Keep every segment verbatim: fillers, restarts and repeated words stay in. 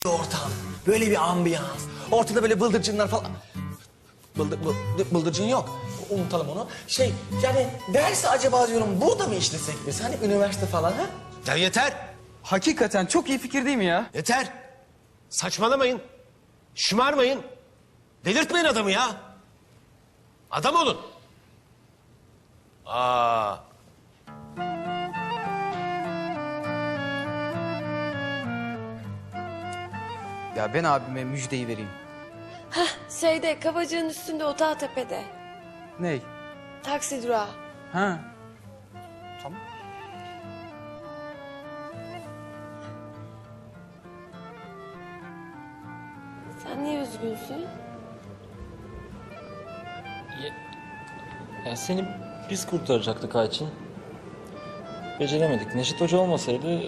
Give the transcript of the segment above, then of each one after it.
ortam, böyle bir ambiyans. Ortada böyle bıldırcınlar falan. Bıldır, bıldır, bıldırcın yok. Unutalım onu. Şey, yani dersi acaba diyorum burada mı işlesek biz? Hani üniversite falan ha? Ya yeter. Hakikaten çok iyi fikir değil mi ya? Yeter. Saçmalamayın. Şımarmayın. Delirtmeyin adamı ya. Adam olun. Aa. Ya ben abime müjdeyi vereyim. Şeyde, Kabacık'ın üstünde Otağtepe'de. Ney? Taksi durağı. Ha. Tamam. Sen niye üzgünsün? Ya seni biz kurtaracaktık Ayçin. Beceremedik. Neşet Hoca olmasaydı...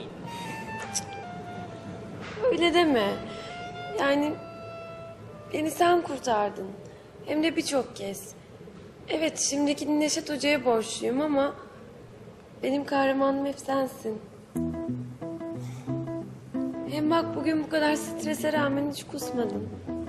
Öyle deme. Yani beni sen kurtardın. Hem de birçok kez. Evet, şimdiki Neşet Hoca'ya borçluyum ama... benim kahramanım hep sensin. Hem bak bugün bu kadar strese rağmen hiç kusmadın.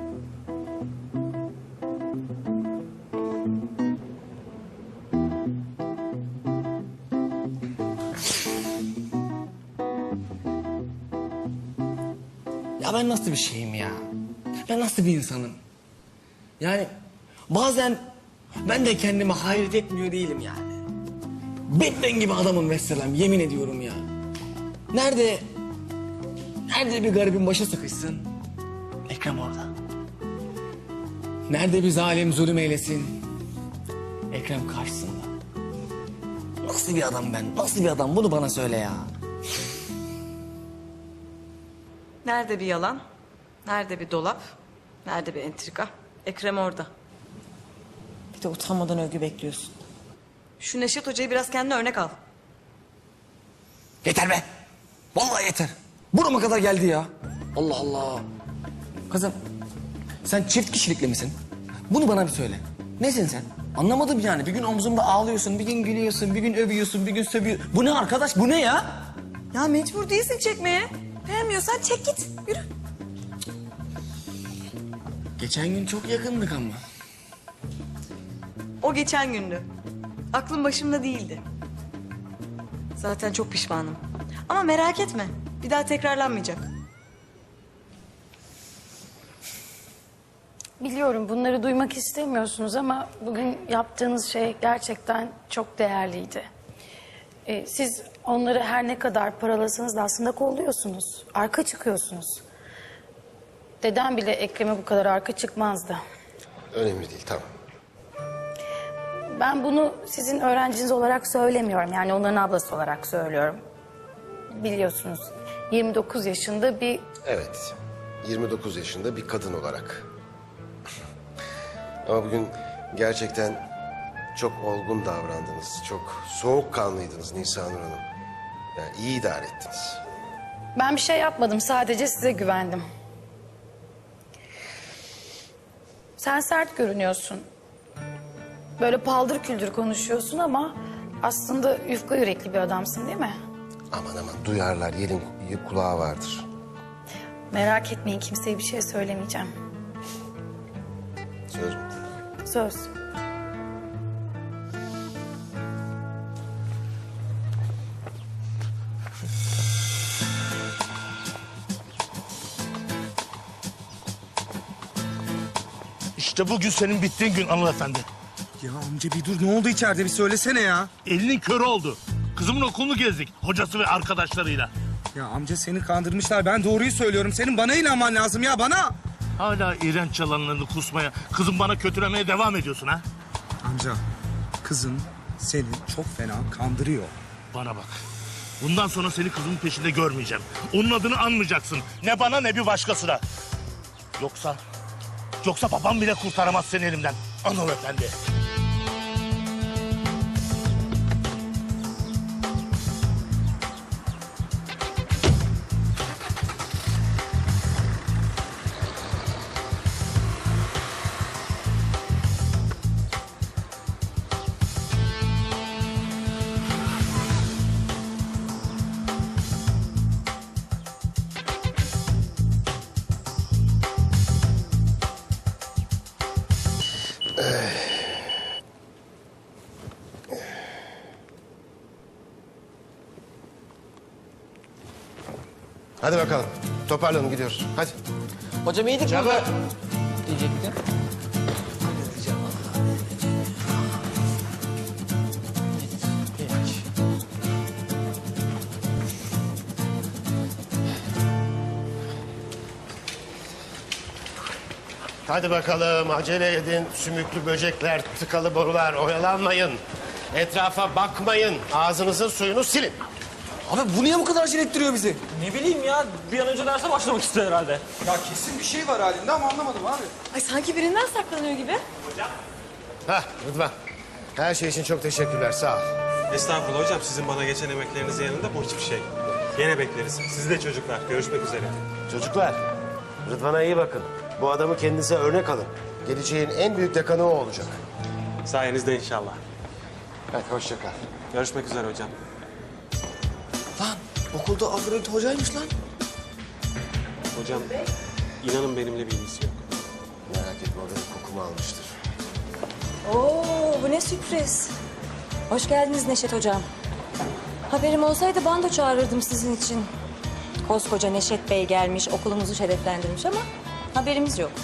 Ya ben nasıl bir şeyim ya? Ben nasıl bir insanım? Yani bazen ben de kendime hayret etmiyor değilim yani. Batman gibi adamım vesselam, yemin ediyorum ya. Nerede, nerede bir garibin başı sıkışsın? Ekrem orada. Nerede bir zalim zulüm eylesin? Ekrem karşısında. Nasıl bir adam ben, nasıl bir adam? Bunu bana söyle ya. Nerede bir yalan? Nerede bir dolap? Nerede bir entrika? Ekrem orada. Bir de utanmadan övgü bekliyorsun. Şu Neşet Hoca'yı biraz kendine örnek al. Yeter be. Vallahi yeter. Burama kadar geldi ya. Allah Allah. Kızım sen çift kişilikli misin? Bunu bana bir söyle. Nesin sen? Anlamadım yani. Bir gün omzumda ağlıyorsun, bir gün gülüyorsun, bir gün övüyorsun, bir gün sövüyorsun. Bu ne arkadaş? Bu ne ya? Ya mecbur değilsin çekmeye. Beğenmiyorsan çek git. Yürü. Geçen gün çok yakındık ama. O geçen gündü. Aklım başımda değildi. Zaten çok pişmanım. Ama merak etme. Bir daha tekrarlanmayacak. Biliyorum bunları duymak istemiyorsunuz ama bugün yaptığınız şey gerçekten çok değerliydi. Ee, siz onları her ne kadar paralasanız da aslında kolluyorsunuz. Arka çıkıyorsunuz. Dedem bile Ekrem'e bu kadar arka çıkmazdı. Önemli değil, tamam. Ben bunu sizin öğrenciniz olarak söylemiyorum. Yani onların ablası olarak söylüyorum. Biliyorsunuz yirmi dokuz yaşında bir... Evet, yirmi dokuz yaşında bir kadın olarak. Ama bugün gerçekten çok olgun davrandınız. Çok soğukkanlıydınız Nisanur Hanım. Yani iyi idare ettiniz. Ben bir şey yapmadım. Sadece size güvendim. Sen sert görünüyorsun. Böyle paldır küldür konuşuyorsun ama aslında yufka yürekli bir adamsın değil mi? Aman aman duyarlar, yerin kulağı vardır. Merak etmeyin, kimseye bir şey söylemeyeceğim. Söz mü? Söz. İşte bugün senin bittiğin gün hanımefendi. Ya amca bir dur, ne oldu içeride, bir söylesene ya. Elinin körü oldu. Kızımın okulunu gezdik hocası ve arkadaşlarıyla. Ya amca seni kandırmışlar, ben doğruyu söylüyorum. Senin bana inanman lazım ya, bana. Hala iğrenç yalanlarını kusmaya, kızım bana kötülemeye devam ediyorsun ha? Amca kızın seni çok fena kandırıyor. Bana bak. Bundan sonra seni kızımın peşinde görmeyeceğim. Onun adını anmayacaksın. Ne bana ne bir başkasına. Yoksa... Yoksa babam bile kurtaramaz seni elimden hanımefendi. Hadi bakalım. Toparlanın gidiyoruz. Hadi. Hocam iyiydik Çabuk. burada. Diyecektim. Hadi bakalım acele edin. Sümüklü böcekler, tıkalı borular oyalanmayın. Etrafa bakmayın. Ağzınızın suyunu silin. Abi bu niye bu kadar acele ettiriyor bizi? Ne bileyim ya, bir an önce derse başlamak istiyor herhalde. Ya kesin bir şey var halinde ama anlamadım abi. Ay sanki birinden saklanıyor gibi. Hah Rıdvan. Her şey için çok teşekkürler. Sağ ol. Estağfurullah hocam, sizin bana geçen emeklerinizin yanında bu hiçbir şey. Gene bekleriz. Siz de çocuklar. Görüşmek üzere. Çocuklar, Rıdvan'a iyi bakın. Bu adamı kendinize örnek alın. Geleceğin en büyük dekanı o olacak. Sayenizde inşallah. Hadi hoşça kal. Görüşmek üzere hocam. Lan okulda Afrodit hocaymış lan. Hocam, inanın benimle bir ilgisi yok. Merak etme o benim kokumu almıştır. Oo, bu ne sürpriz. Hoş geldiniz Neşet Hocam. Haberim olsaydı bando çağırırdım sizin için. Koskoca Neşet Bey gelmiş, okulumuzu şereflendirmiş ama haberimiz yok.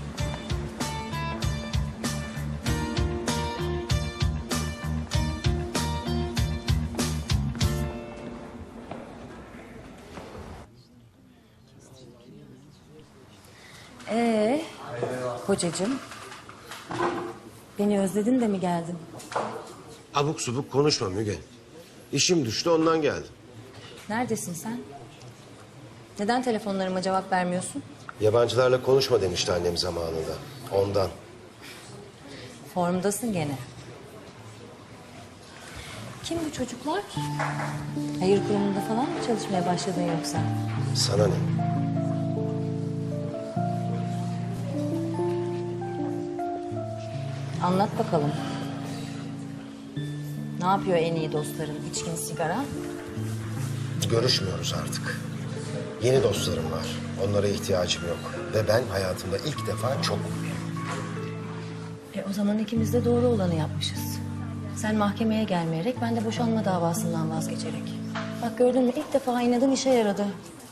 Ee, kocacığım, beni özledin de mi geldin? Abuk subuk konuşma Müge. İşim düştü ondan geldim. Neredesin sen? Neden telefonlarıma cevap vermiyorsun? Yabancılarla konuşma demişti annem zamanında. Ondan. Formdasın gene. Kim bu çocuklar? Hayır kurumunda falan mı çalışmaya başladın yoksa? Sana ne? Anlat bakalım. Ne yapıyor en iyi dostların? İçkin, sigara? Görüşmüyoruz artık. Yeni dostlarım var. Onlara ihtiyacım yok. Ve ben hayatımda ilk defa çok mutluyum. E o zaman ikimiz de doğru olanı yapmışız. Sen mahkemeye gelmeyerek, ben de boşanma davasından vazgeçerek. Bak gördün mü, ilk defa inadın işe yaradı.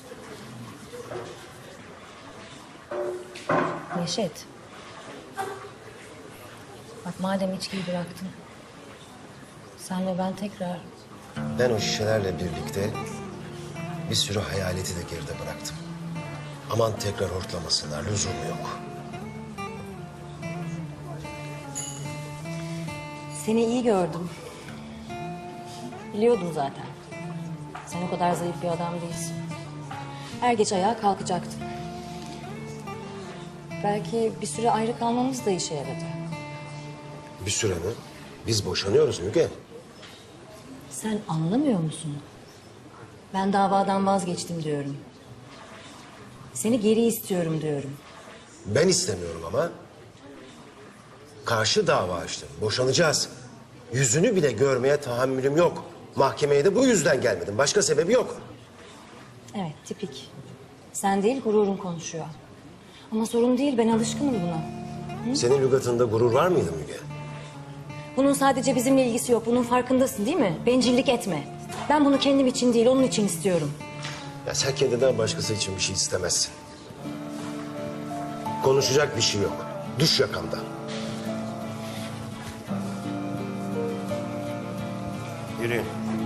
Neşet. Bak madem içkiyi bıraktın, sen ve ben tekrar... Ben o şişelerle birlikte bir sürü hayaleti de geride bıraktım. Aman tekrar hortlamasınlar, lüzumu yok. Seni iyi gördüm. Biliyordum zaten. Sen o kadar zayıf bir adam değilsin. Her gece ayağa kalkacaktın. Belki bir süre ayrı kalmamız da işe yaradı. Bir süre mi? Biz boşanıyoruz Müge. Sen anlamıyor musun? Ben davadan vazgeçtim diyorum. Seni geri istiyorum diyorum. Ben istemiyorum ama. Karşı dava açtım. Boşanacağız. Yüzünü bile görmeye tahammülüm yok. Mahkemeye de bu yüzden gelmedim. Başka sebebi yok. Evet, tipik. Sen değil, gururun konuşuyor. Ama sorun değil, ben alışkınım buna. Senin lügatında gurur var mıydı Müge? Bunun sadece bizimle ilgisi yok. Bunun farkındasın değil mi? Bencillik etme. Ben bunu kendim için değil, onun için istiyorum. Ya sen kendinden başkası için bir şey istemezsin. Konuşacak bir şey yok. Düş yakamdan. Yürüyün.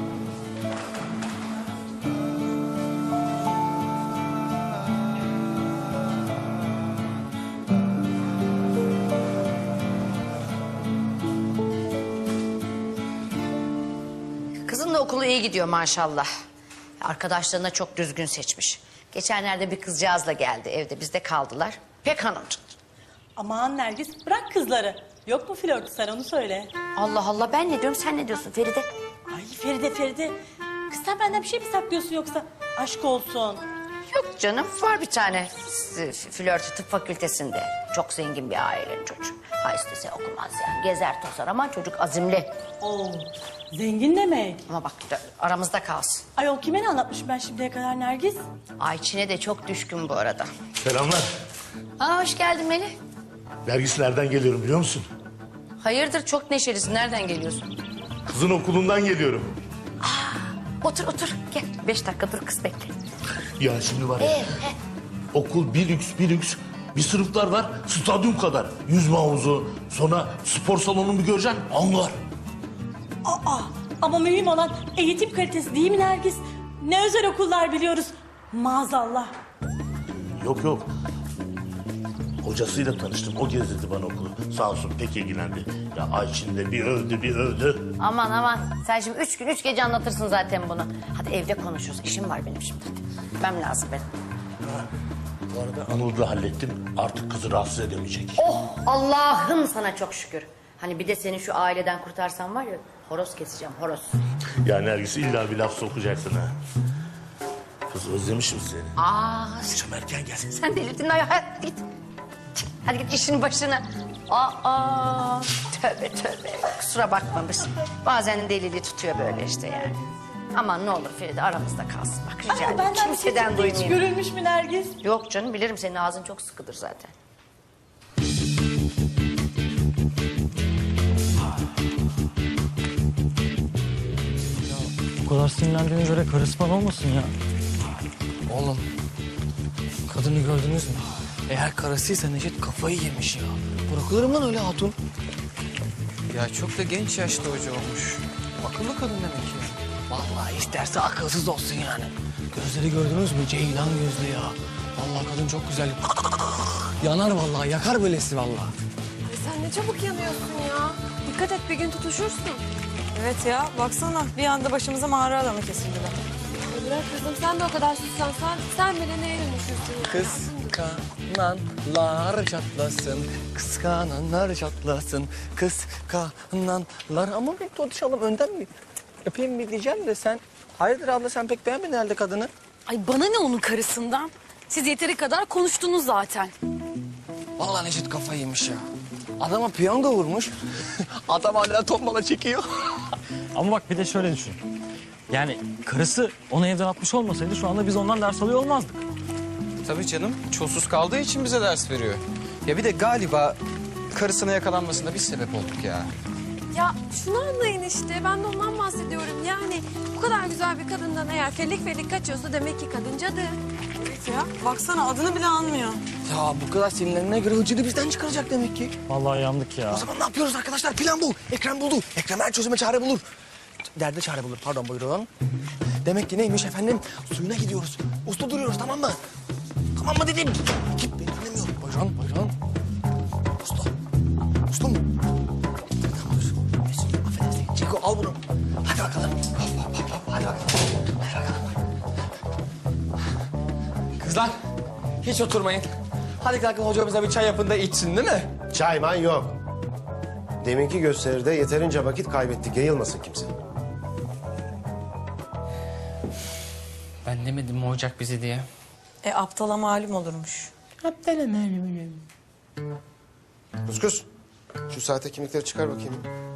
Kızın da okulu iyi gidiyor maşallah. Arkadaşlarına çok düzgün seçmiş. Geçenlerde bir kızcağızla geldi evde, bizde kaldılar. Pek hanımcık. Aman Nergis, bırak kızları. Yok mu flörtü, sen onu söyle. Allah Allah, ben ne diyorum sen ne diyorsun Feride? Ay Feride Feride. Kız sen benden bir şey mi saklıyorsun yoksa? Aşk olsun. Yok canım, var bir tane f- flörtü tıp fakültesinde. Çok zengin bir ailenin çocuğu. Ha istese okumaz yani, gezer tozar ama çocuk azimli. Oo, zengin demek. Ama bak aramızda kalsın. Ayol kime ne anlatmışım ben şimdiye kadar Nergis? Ayçin'e de çok düşkün bu arada. Selamlar. Aa, hoş geldin Melih. Nergis nereden geliyorum biliyor musun? Hayırdır çok neşelisin. Nereden geliyorsun? Kızın okulundan geliyorum. Otur otur gel. Beş dakika dur kız bekle. Ya şimdi var ya. Ee, he. Okul bir lüks bir lüks. Bir sınıflar var stadyum kadar. Yüzme havuzu, sonra spor salonunu bir göreceksin anlar. Aa, ama mühim olan eğitim kalitesi değil mi Nergis? Ne özel okullar biliyoruz. Maazallah. Yok yok. Hocasıyla tanıştım. O gezdirdi bana okulu. Sağ olsun pek ilgilendi. Ya Ayçin de bir övdü bir övdü. Aman aman sen şimdi üç gün üç gece anlatırsın zaten bunu. Hadi evde konuşuruz. İşim var benim şimdi. Hadi. Gitmem lazım benim. Bu arada Anıl'ı da hallettim. Artık kızı rahatsız edemeyecek. Oh Allah'ım sana çok şükür. Hani bir de seni şu aileden kurtarsam var ya horoz keseceğim horoz. Ya Nergis illa bir laf sokacaksın ha. Kız özlemişim seni. Aa Akşam erken gelsin. sen delirdin ay hadi git. Hadi git işin başına. Aa tövbe tövbe kusura bakmamış. Bazen deliliği tutuyor böyle işte yani. Aman ne olur Feride aramızda kalsın. Bak rica Aa, ederim. benden Kimseden bir şey hiç duymayayım. görülmüş mü Nergis? Yok canım bilirim senin ağzın çok sıkıdır zaten. Bu kadar sinirlendiğine göre karısı falan olmasın ya. Oğlum, kadını gördünüz mü? Eğer karısıysa Neşet kafayı yemiş ya. Bırakılır mı lan öyle hatun? Ya çok da genç yaşta hoca olmuş. Akıllı kadın demek ki. Vallahi isterse akılsız olsun yani. Gözleri gördünüz mü? Ceylan gözlü ya. Vallahi kadın çok güzel. Yanar vallahi, yakar böylesi vallahi. Ay sen ne çabuk yanıyorsun ya. Dikkat et bir gün tutuşursun. Evet ya baksana bir anda başımıza mağara adamı kesildiler. Ay bırak kızım sen de o kadar sussan sen, sen bile neye dönüşürsün ya? Kıskananlar çatlasın, kıskananlar çatlasın, kıskananlar. Ama bir tutuşalım önden mi? Öpeyim mi diyeceğim de sen... Hayırdır abla sen pek beğenmedin herhalde kadını. Ay bana ne onun karısından? Siz yeteri kadar konuştunuz zaten. Vallahi Neşet kafayı yemiş ya. Adama piyango vurmuş. Adam hala tombala çekiyor. Ama bak bir de şöyle düşün. Yani karısı onu evden atmış olmasaydı şu anda biz ondan ders alıyor olmazdık. Tabii canım çulsuz kaldığı için bize ders veriyor. Ya bir de galiba karısına yakalanmasına biz sebep olduk ya. Ya şunu anlayın işte ben de ondan bahsediyorum. Yani bu kadar güzel bir kadından eğer felik felik kaçıyorsa demek ki kadın cadı. Evet ya baksana adını bile anmıyor. Ya bu kadar sinirlerine göre hıcını bizden çıkaracak demek ki. Vallahi yandık ya. O zaman ne yapıyoruz arkadaşlar? Plan bu. Ekrem buldu. Ekrem her çözüme çare bulur. Derde çare bulur. Pardon buyurun. Demek ki neymiş efendim? Suyuna gidiyoruz. Uslu duruyoruz tamam mı? Tamam mı dedim? Git beni dinlemiyor. Buyurun buyurun. Uslu. Uslu mu? Tamam dur. Mesut affedersin. Çiko al bunu. Hadi bakalım. Hop, hop, hop, hop. Hadi bakalım. Hadi bakalım. Kızlar hiç oturmayın. Hadi kalkın hocamıza bir çay yapın da içsin değil mi? Çayman yok. Deminki gösteride yeterince vakit kaybettik. Yayılmasın kimse. Ben demedim mi ocak bizi diye. E aptala malum olurmuş. Kuskus. Şu saate kimlikleri çıkar bakayım.